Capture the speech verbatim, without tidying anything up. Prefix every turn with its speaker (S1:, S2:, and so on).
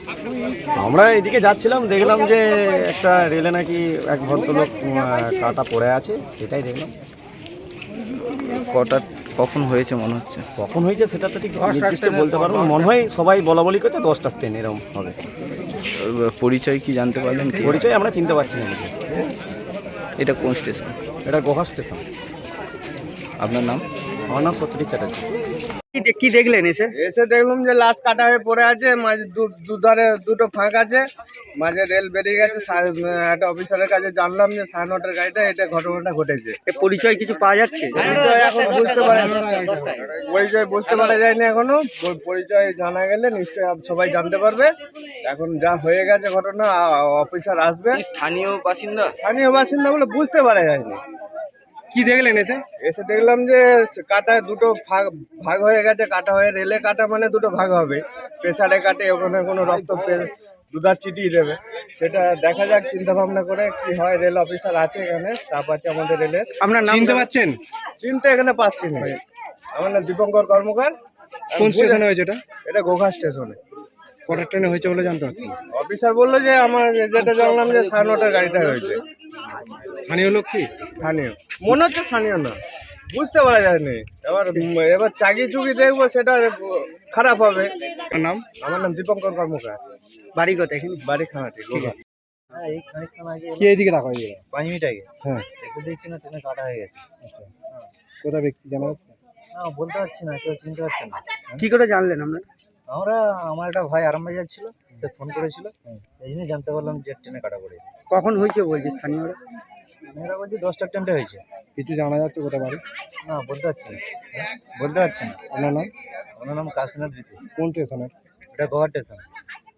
S1: আমরা এদিকে যাচ্ছিলাম, দেখলাম যে একটা রেলে নাকি এক ভদ্রলোক কাটা পড়ে আছে, সেটাই দেখলাম।
S2: কটা কখন হয়েছে মনে হচ্ছে?
S1: কখন হয়েছে সেটা তো ঠিক নির্দিষ্ট বলতে পারবো না, মনে হয় সবাই বলা বলি করছে দশটার ট্রেন এরকম হবে।
S2: পরিচয় কি জানতে পারলেন? কি
S1: পরিচয় আমরা চিনতে পারছি না।
S2: এটা কোন স্টেশন?
S1: এটা গোহা স্টেশন।
S2: আপনার নাম?
S1: আমার নাম সত্যজিৎ চ্যাটার্জি।
S2: কি দেখলেন এসে?
S3: এসে দেখলাম যে লাশ কাটা হয়ে পড়ে আছে, মাঝে দুধারে দুটো ফাঁক আছে, মাঝে রেল বেরিয়ে গেছে। একটা অফিসারের কাছে জানলাম যে সাড়ে নটার গাড়িটা এটা ঘটনাটা ঘটেছে।
S2: পরিচয় কিছু পাওয়া যাচ্ছে?
S3: পরিচয় এখন বুঝতে পারে পরিচয় বুঝতে পারা যায়নি এখনো। পরিচয় জানা গেলে নিশ্চয়ই সবাই জানতে পারবে। এখন যা হয়ে গেছে ঘটনা, অফিসার আসবে।
S2: স্থানীয় বাসিন্দা?
S3: স্থানীয় বাসিন্দা বলে বুঝতে পারা যায়নি।
S2: কি দেখলেন এসে?
S3: এসে দেখলাম যে কাটায় দুটো ভাগ ভাগ হয়ে গেছে। কাটা হয়ে রেলে কাটা মানে দুটো ভাগ হবে। প্রেসারে কাটে, ওখানে কোনো রক্ত দুধার চিটিয়ে দেবে, সেটা দেখা যাক চিন্তা ভাবনা করে কি হয়। রেল অফিসার আছে এখানে, স্টাফ আছে আমাদের রেলের।
S2: আপনার নাম চিনতে পারছেন?
S3: চিনতে এখানে পাচ্ছি না। আমার নাম দীপঙ্কর কর্মকার।
S2: কোন স্টেশনে হয়েছে এটা?
S3: এটা গোঘা স্টেশনে।
S2: কটার ট্রেনে হয়েছে বলে জানতে পারছেন?
S3: অফিসার বললো যে আমার যেটা জানলাম যে সাড়ে নটার গাড়িটা হয়েছে।
S2: স্থানীয় লোক কি?
S3: স্থানীয় মনে হচ্ছে, স্থানীয় না, বুঝতে পারা যায়নি। এবার এবার চাকি চুকি দেখবো, সেটা খারাপ হবে।
S2: নাম?
S3: আমার নাম দীপঙ্কর কর্মকার।
S2: বাড়ি কোথায়? এখানে
S3: বাড়ি খানাটি গোঘা।
S4: হ্যাঁ, এই খানিকক্ষণ আগে
S2: কি এদিকে রাখা হয়ে গেল?
S4: পাঁচ মিনিট আগে
S2: হ্যাঁ,
S4: এসে দেখছি না ট্রেনে কাটা হয়ে গেছে।
S2: আচ্ছা। কোথায় ব্যক্তি জানা যাচ্ছে?
S4: না, বলতে পারছি না, কেউ চিনতে পারছে না।
S2: কি করে জানলেন আমরা?
S4: আমরা আমার একটা ভাই আরামবাগ যাচ্ছিল, সে ফোন করেছিল, এই জন্য জানতে পারলাম যে ট্রেনে কাটা পড়েছে।
S2: কখন হয়েছে বলছে স্থানীয়রা?
S4: মেয়েরা বলছি দশটার ট্রেনটা হয়েছে।
S2: কিছু জানা যাচ্ছে কোথায় বাড়ি?
S4: না, বলতে পারছি না, বলতে পারছি না।
S2: আপনার নাম?
S4: ওনার নাম কাশীনাথ ঋষি।
S2: কোন স্টেশনের?
S4: এটা গোয়া স্টেশন।